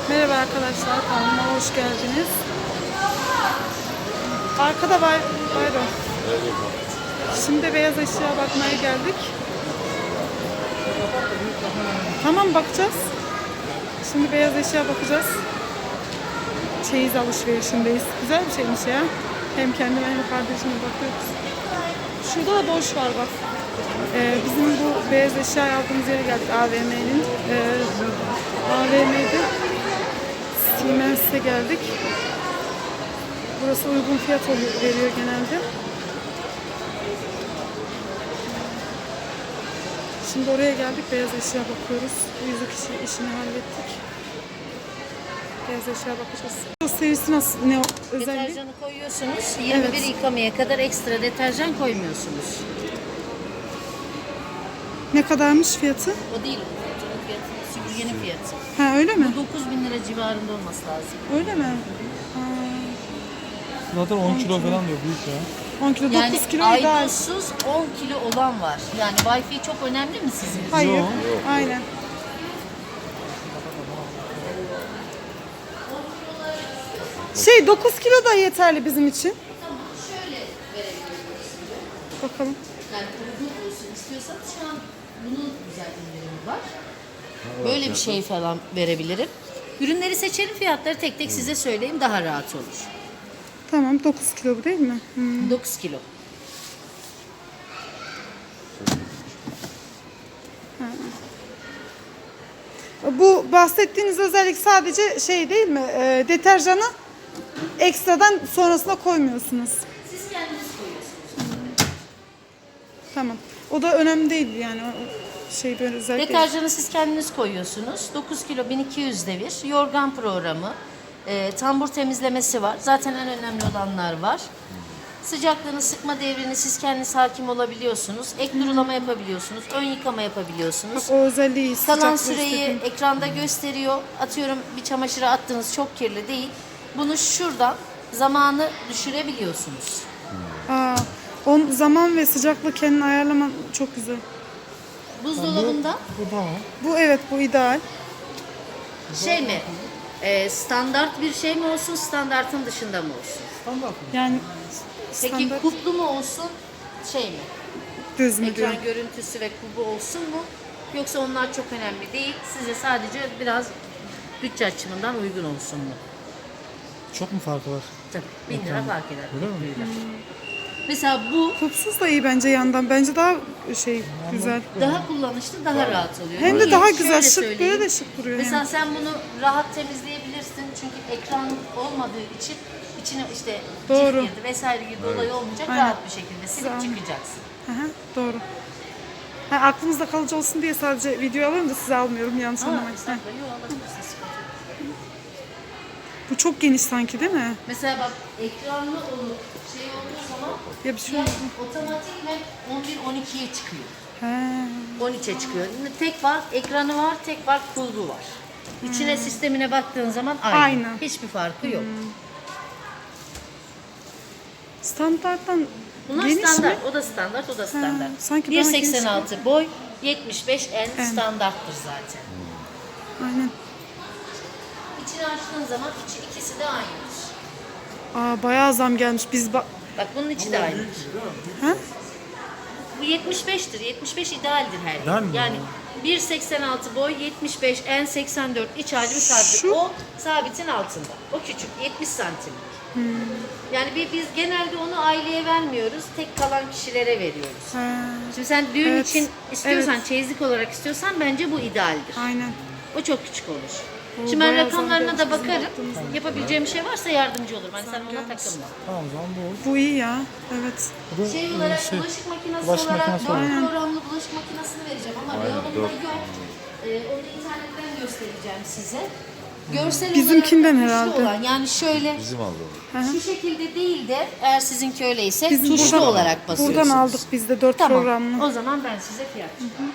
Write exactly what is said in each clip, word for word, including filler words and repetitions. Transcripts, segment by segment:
Merhaba arkadaşlar, kanalıma hoş geldiniz. Arkada var, pardon. Şimdi beyaz eşya bakmaya geldik. Tamam, bakacağız. Şimdi beyaz eşya bakacağız. Çeyiz alışverişindeyiz. Güzel bir şeymiş ya. Hem kendime hem kardeşime bakıyoruz. Şurada da boş var bak. Ee, bizim bu beyaz eşya aldığımız yere geldik, A V M'nin. Ee, A V M'de Siemens'e geldik. Burası uygun fiyat oluyor, veriyor genelde. Şimdi oraya geldik, beyaz eşya bakıyoruz. Bu yüzük işi, işini hallettik. Beyaz eşya bakacağız. O serisi nasıl, ne o özelliği? Deterjanı koyuyorsunuz. yirmi bir evet. Yıkamaya kadar ekstra deterjan koymuyorsunuz. Ne kadarmış fiyatı? O değil. Fiyatı, süpürgenin fiyatı. Ha, öyle mi? Bu dokuz bin lira civarında olması lazım. Öyle mi? Ha. Zaten on kilo falan diyor, büyük ya. on kilo, Yani dokuz kilo ideal. aydosuz on kilo olan var. Yani Wi-Fi çok önemli mi sizin için? Hayır. Yok. Aynen. Şey, dokuz kilo da yeterli bizim için. Tamam, şöyle verebiliyoruz size. Bakalım. Yani uygun olsun istiyorsanız şu an bunun güzel indirimi var. Böyle bir şey falan verebilirim. Ürünleri seçelim, fiyatları tek tek size söyleyeyim, daha rahat olur. Tamam, dokuz kilo bu değil mi? Hmm. dokuz kilo. Bu bahsettiğiniz özellik sadece şey değil mi? E, deterjanı ekstradan sonrasına koymuyorsunuz. Siz kendiniz koyuyorsunuz. Tamam. O da önemli değil yani. O şey böyle özellik değil. Deterjanı siz kendiniz koyuyorsunuz. dokuz kilo bin iki yüz devir. Yorgan programı. E, tambur temizlemesi var. Zaten en önemli olanlar var. Sıcaklığını, sıkma devrini siz kendiniz hakim olabiliyorsunuz. Ek durulama yapabiliyorsunuz. Ön yıkama yapabiliyorsunuz. Bak, o özelliği Kalan sıcaklığı süreyi istedim. ekranda gösteriyor. Atıyorum bir çamaşıra attığınız çok kirli değil. Bunu şuradan zamanı düşürebiliyorsunuz. Aa, on zaman ve sıcaklığı kendin ayarlaman çok güzel. Buzdolabında Bu tamam. Bu evet, bu ideal. şey mi? e, standart bir şey mi olsun, standartın dışında mı olsun? Standart mı? Yani Peki standart kuplu mu olsun, şey mi? düz mü diyor. Ekran görüntüsü ve kubu olsun mu? Yoksa onlar çok önemli değil. Size sadece biraz bütçe açımından uygun olsun mu? Çok mu farkı var? Tabii. Bin lira fark eder. Öyle mi? kupluyla. Mesela bu Kupsuz da iyi bence yandan. Bence daha şey güzel. daha kullanışlı, daha rahat oluyor. Hem de Niye? daha güzel, Şöyle şık, söyleyeyim. böyle de şık duruyor Mesela hem. sen bunu rahat temizleyebilirsin. Çünkü ekran olmadığı için içine işte Doğru. cif girdi vesaire gibi olay olmayacak. Aynen. Rahat bir şekilde silip Güzel. çıkacaksın. Hı hı, doğru. Ha, aklınızda kalıcı olsun diye sadece video alıyorum da size almıyorum, yanlış Ama anlamayın. Heh. estağfurullah, yok, alabilirsin, sıkıntı yok. Bu çok geniş sanki değil mi? Mesela bak, ekranlı olup şey olduğu zaman Ya bir şey fiyat oldu. otomatikmen on bir on ikiye çıkıyor. He. on üçe çıkıyor. Tek var, ekranı var, tek var, kulbu var. İçine sistemine baktığın zaman aynı. Aynı. Hiçbir farkı yok. Standarttan Bunlar geniş standart. mi? O da standart, o da standart. sanki bir daha geniş seksen altı boy, yetmiş beş en En. standarttır zaten. Aynen. İçini açtığın zaman içi, ikisi de aynıdır. Aa, bayağı zam gelmiş. Biz bak. Bak bunun içi de aynıdır. Ha? Bu yetmiş beştir. yetmiş beş idealdir her İdeal yer. mi? Yani bir seksen altı boy, yetmiş beş en, seksen dört iç hacmi sabit. Şu- O sabitin altında. O küçük, yetmiş santim. Yani bir, biz genelde onu aileye vermiyoruz. Tek kalan kişilere veriyoruz. Ha, Şimdi sen düğün Evet, için istiyorsan, evet. çeyizlik olarak istiyorsan bence bu idealdir. aynen. O çok küçük olur. O Şimdi ben bayağı rakamlarına zam da gelmiş bizim bakarım. baktığımızda. Yapabileceğim bir şey varsa yardımcı olurum. Hani sen ona gelmiş. takılma. Tamam, o zaman bu olur. Bu iyi ya. Evet. Bu da Şey e, olarak şey, bulaşık makinesi bulaşık olarak makinesi dört olarak. programlı bulaşık makinesini vereceğim ama reyonumda yok. Ee, onu internetten göstereceğim size. Görsel Bizimkinden olarak da tuşlu herhalde. olan, yani şöyle Bizim aldığımız. şu şekilde değil de eğer sizinki öyleyse Bizim tuşlu buradan- olarak basıyorsunuz. Buradan aldık biz de dört Tamam. programlı. O zaman ben size fiyat çıkarım.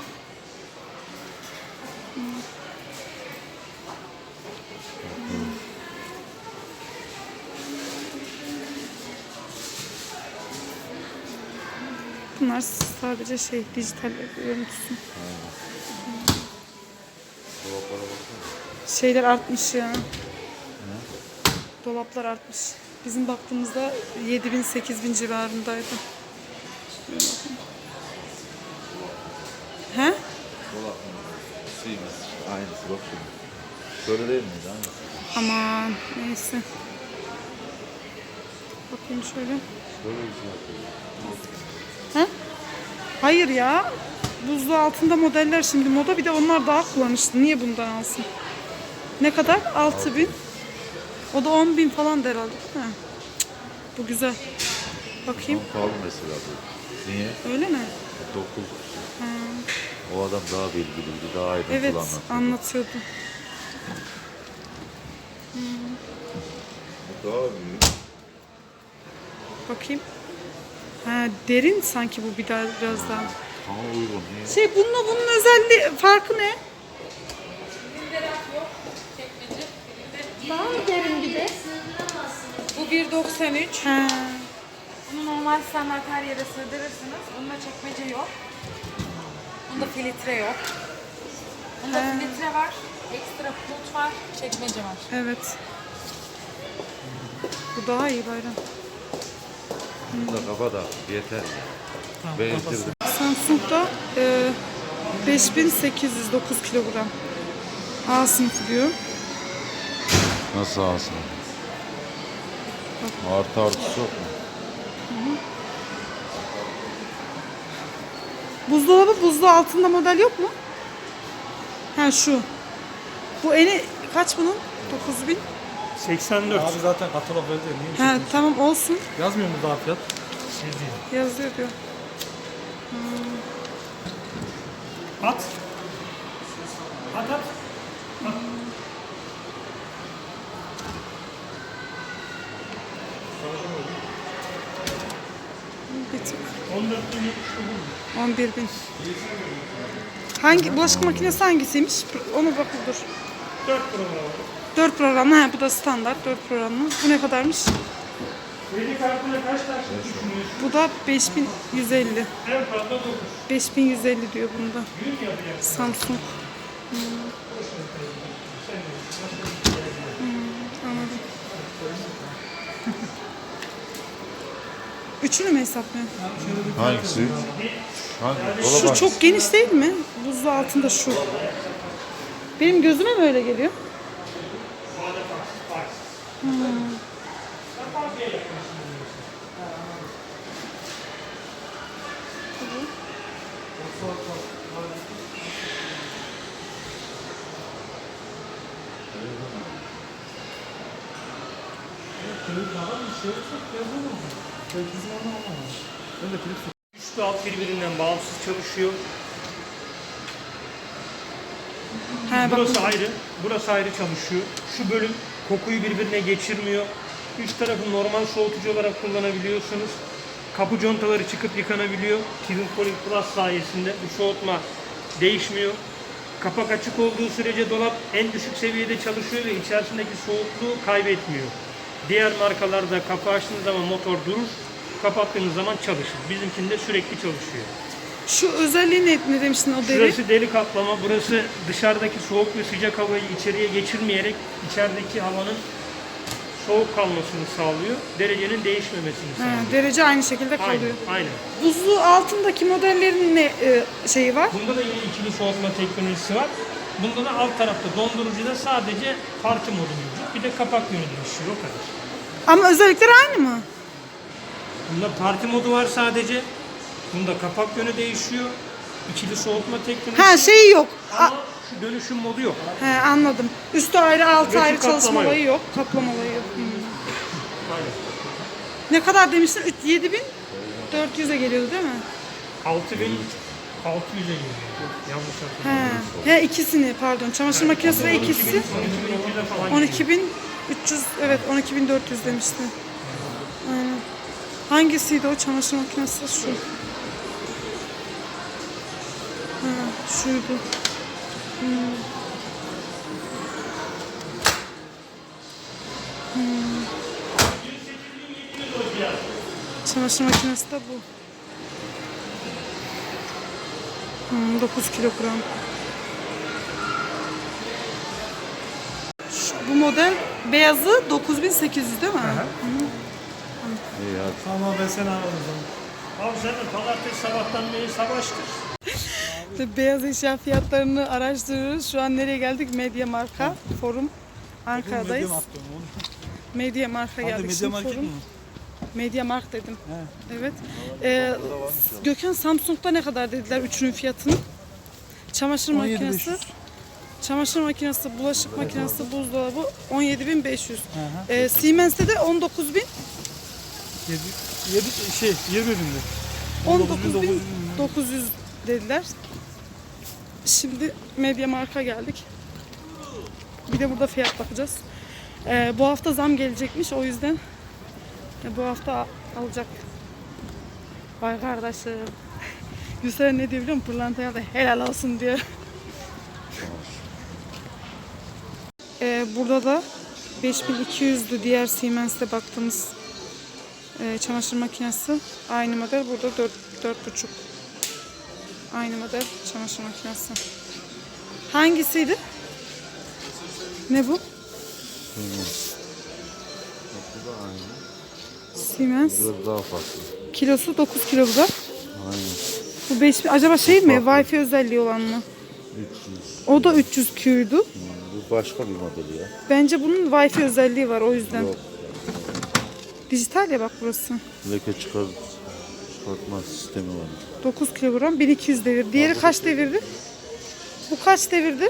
Bunlar sadece şey, dijital görüntüsü. Dolaplara baksana. Şeyler artmış ya. Dolaplar artmış. Bizim baktığımızda yedi bin sekiz bin civarındaydı. Şöyle bakın. He? Dolap mı? Suyumuz. Aynısı bak şimdi. Şöyle değil miydi? Aynısı. Aman neyse. Bakayım şöyle. Şöyle bir şey yapıyor. He? Hayır ya. Buzlu altında modeller şimdi moda, bir de onlar daha kullanışlı. Niye bundan alsın? Ne kadar? altı bin. O da on bin falan der herhalde. He. Bu güzel. Bakayım. Ama pahalı mesela bu. Niye? Öyle mi? Dokuz. O adam daha bilgiliydi, daha ayrıntılı Evet, anlatıyordu. anlatıyordu. Bu daha büyük. Bakayım. Ha, derin sanki bu bir daha biraz daha. Ama uygun. Niye? Şey, bununla bunun özelliği farkı ne? Daha derin bir de. Bu bir doksan üç. Ha. Bunu normal standart her yere sığdırırsınız. Bunda çekmece yok. Bunda filtre yok. Bunda filtre var. Ekstra pult var. Çekmece var. Evet. Bu daha iyi Bayram. Bu da kafa da yeter. Tamam, Ben kafası. bitirdim. Samsung'da e, beş bin sekiz yüz dokuz kilogram. A sınıfı diyor. Nasıl alsın? Artı artısı yok mu? Buzdolabı buzlu altında model yok mu? Ha, şu. Bu eni kaç bunun? dokuz bin. seksen dört. Abi zaten katalog öyle değil. Niye Ha, tamam olsun. yazmıyor mu daha fiyat? Yazıyor. Yazıyor diyor. At. At at. Bir tık. on dört bin yetmiş dokuz. on bir bin. Hangi bulaşık makinesi hangisiymiş? Onu bakın dur. dört program var. dört programlı. Ha, bu da standart dört programlı. Bu ne kadarmış? Kredi kartına kaç taş düşünüyorsun? Bu da beş bin yüz elli. En fazla dokuz. beş bin yüz elli diyor bunda. Gün yapacak. Samsung. Hmm. Hmm, anladım. Üçünü mü hesaplıyorsun? Hangisi? Hangi? Dolap Şu hangisi? çok geniş değil mi? Buzlu altında şu. Benim gözüme mi öyle geliyor? Hmm. Üst ve alt birbirinden bağımsız çalışıyor. Ha, bak, Burası ayrı, burası ayrı çalışıyor. Şu bölüm kokuyu birbirine geçirmiyor. Üst tarafı normal soğutucu olarak kullanabiliyorsunuz. Kapı contaları çıkıp yıkanabiliyor. Kirin Cooling Plus sayesinde bu soğutma değişmiyor. Kapak açık olduğu sürece dolap en düşük seviyede çalışıyor ve içerisindeki soğukluğu kaybetmiyor. Diğer markalarda kapağı açtığınız zaman motor durur, kapattığınız zaman çalışır. Bizimkinde sürekli çalışıyor. şu özelliği ne, ne demiştin o deri? Şurası deri kaplama, burası dışarıdaki soğuk ve sıcak havayı içeriye geçirmeyerek içerideki havanın soğuk kalmasını sağlıyor. Derecenin değişmemesini Ha, sağlıyor. derece aynı şekilde Aynen, kalıyor. aynen. Buzlu altındaki modellerin ne e, şeyi var? Bunda da yine ikili soğutma teknolojisi var. Bunda da alt tarafta dondurucuda sadece parti modu mevcut. Bir de kapak yönü değişiyor, o kadar. Ama özellikleri aynı mı? Bunda parti modu var sadece. Bunda kapak yönü değişiyor. İkili soğutma teknolojisi. Ha, şeyi yok. A- Ama şu dönüşüm modu yok. He, anladım. Üstü ayrı, altı Ve şu ayrı çalışma kaplama olayı yok. Kaplama olayı yok. Hmm. Aynen. Ne kadar demiştin? yedi bin dört yüze geliyordu değil mi? altı bin altı yüze geliyor. Yanlış hatırlamıyorum. He. He, ikisini pardon. Çamaşır makinesi ve ikisi on iki bin iki yüze falan on geliyor. iki bin üç yüz, evet on iki bin dört yüz demişti. Aynen. Hangisiydi o çamaşır makinesi? Şu. Ha, şuydu. Hmm. Hmm. Çamaşır makinesi de bu. Hmm, dokuz kilogram. Bu model beyazı dokuz bin sekiz yüz değil mi? İyi hadi. Tamam ben seni ararım o zaman. Abi sen de pazartesi sabahtan beri savaştır. Beyaz eşya fiyatlarını araştırıyoruz. Şu an nereye geldik? Media Marka Forum Ankara'dayız. Medya market mi oğlum? Media Marka Adı geldik. Medya Şimdi market forum. mi? Media Markt dedim. He. Evet. Ee, Gökhan Samsung'da ne kadar dediler üçünün fiyatını? Çamaşır on yedi bin beş makinesi, yüz. çamaşır makinesi, bulaşık makinesi, buzdolabı on yedi bin beş yüz. Hı hı. Ee, Siemens'te de on dokuz bin, Yedi, yedi şey yirmi binde. on on dokuz bin dokuz bin dokuz yüz. dokuz yüz dediler. Şimdi Media Markt'a geldik. Bir de burada fiyat bakacağız. Ee, bu hafta zam gelecekmiş, o yüzden e, bu hafta al- alacak. Vay kardeşim. Gülseren ne diyor biliyor musun? Pırlantaya da helal olsun diyor. Ee, burada da beş bin iki yüzdü diğer Siemens'te baktığımız e, çamaşır makinesi. Aynı model, burada dört, dört buçuk. Aynı model çamaşır makinesi. Hangisiydi? Ne bu? Bu da aynı. Siemens. Biraz daha farklı. Kilosu dokuz kilo bu da. Aynen. Bu beş bin. Acaba şey mi? Wi-Fi özelliği olan mı? üç yüz. O da üç yüz Q'ydu. Bu başka bir model ya. Bence bunun Wi-Fi özelliği var, o yüzden. Yok. Dijital ya bak burası. Leke çıkar, çıkartma sistemi var. dokuz kilogram, bin iki yüz devir. Diğeri kaç devirdi? Bu kaç devirdi?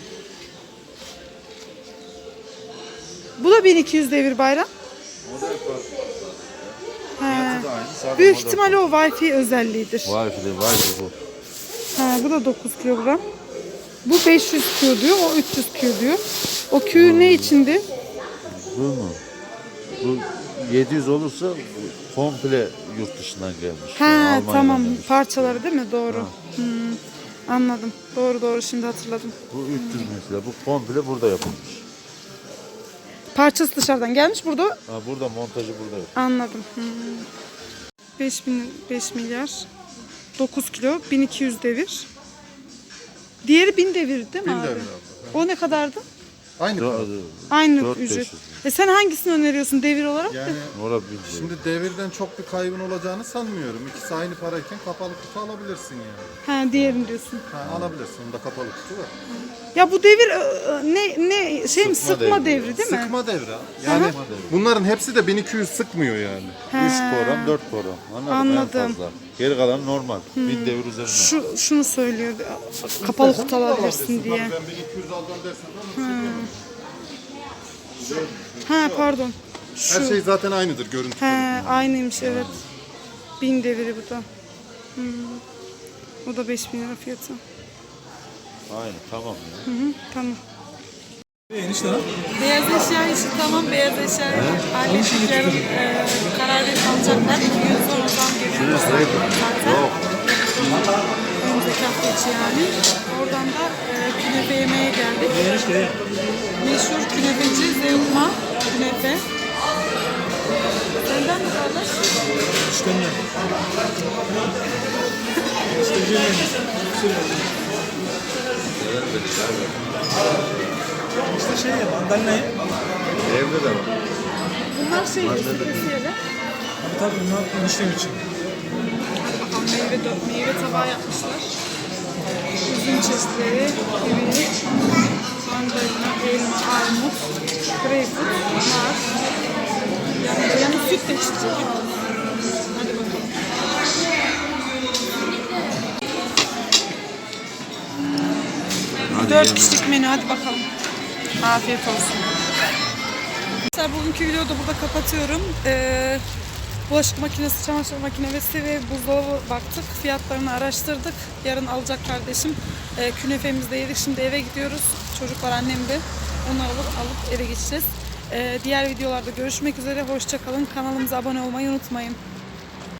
Bu da bin iki yüz devir Bayram. Model farklı. He. Fiyatı da aynı. Sadece Büyük model ihtimalle o Wi-Fi özelliğidir. Wi-Fi de Wi-Fi bu. Ha, bu da dokuz kilogram. Bu beş yüz Q diyor, o üç yüz Q diyor. O Q ne içindi? Bu mu? Bu yedi yüz olursa bu komple yurt dışından gelmiş. Ha, Yani Almanya'dan tamam, gelmiş. parçaları değil mi? Doğru. Hmm, anladım. Doğru doğru, şimdi hatırladım. Bu üç yüz mesela. Bu komple burada yapılmış. Parçası dışarıdan gelmiş, burada Ha, burada montajı burada yapılmış. anladım. Hmm. beş bin, beş milyar. dokuz kilo, bin iki yüz devir. Diğeri bin devir değil mi abi? O ne kadardı? Aynı para. Aynı dört bin beş ücret. yüz. E sen hangisini öneriyorsun devir olarak? Yani Orada bir şey. şimdi devirden çok bir kaybın olacağını sanmıyorum. İkisi aynı parayken kapalı kutu alabilirsin yani. Ha, diğerini diyorsun. Ha, alabilirsin. Onda kapalı kutu var. Ya bu devir e, ne ne şey mi, Sıkma sıkma devri. devri değil mi? Sıkma devre. Yani bunların hepsi de bin iki yüz sıkmıyor yani. üç program, dört program. Anladın mı? Anladım. En fazla. Geri kalan normal. Bir devir üzerine. Şu şunu söylüyor. Kapalı kutu alabilirsin diye. Ben bin iki yüz alacağım dersen ama Ha pardon. her Şu. şey zaten aynıdır görüntü. He, aynıymış evet. Bin deviri bu da. Hmm. O da beş bin lira fiyatı. Aynı tamam ya. Hı hı, tamam. Enişte lan. Beyaz eşya işi tamam. Beyaz eşya hallettik. Yarın e, karar verip alacaklar. İki gün sonra zam geliyor. Zaten. Önümüzdeki hafta içi yani. Oradan da e, künefe yemeye geldik. Enişte. Meşhur künefeci Zevkma künefe. Senden mi kardeş? İşte ne? İşte Cemil. İşte şey ya, mandalina ye. Evde de var. Bunlar şey kesiyeler. Tabii tabii bunlar eniştem için. Bakalım meyve, dö- meyve tabağı yapmışlar. Üzüm çeşitleri, kivi, mandalina, elma, armut, greyfurt, nar. Yani, yani süt de içecek. Hadi bakalım. Dört kişilik menü, hadi bakalım. Afiyet olsun. Arkadaşlar bugünkü videoyu da burada kapatıyorum. Ee, bulaşık makinesi, çamaşır makinesi ve buzdolabı baktık. Fiyatlarını araştırdık. Yarın alacak kardeşim. Ee, künefemizi de yedik. Şimdi eve gidiyoruz. Çocuklar annemde. Onları alıp, alıp eve geçeceğiz. Ee, diğer videolarda görüşmek üzere. Hoşça kalın. Kanalımıza abone olmayı unutmayın.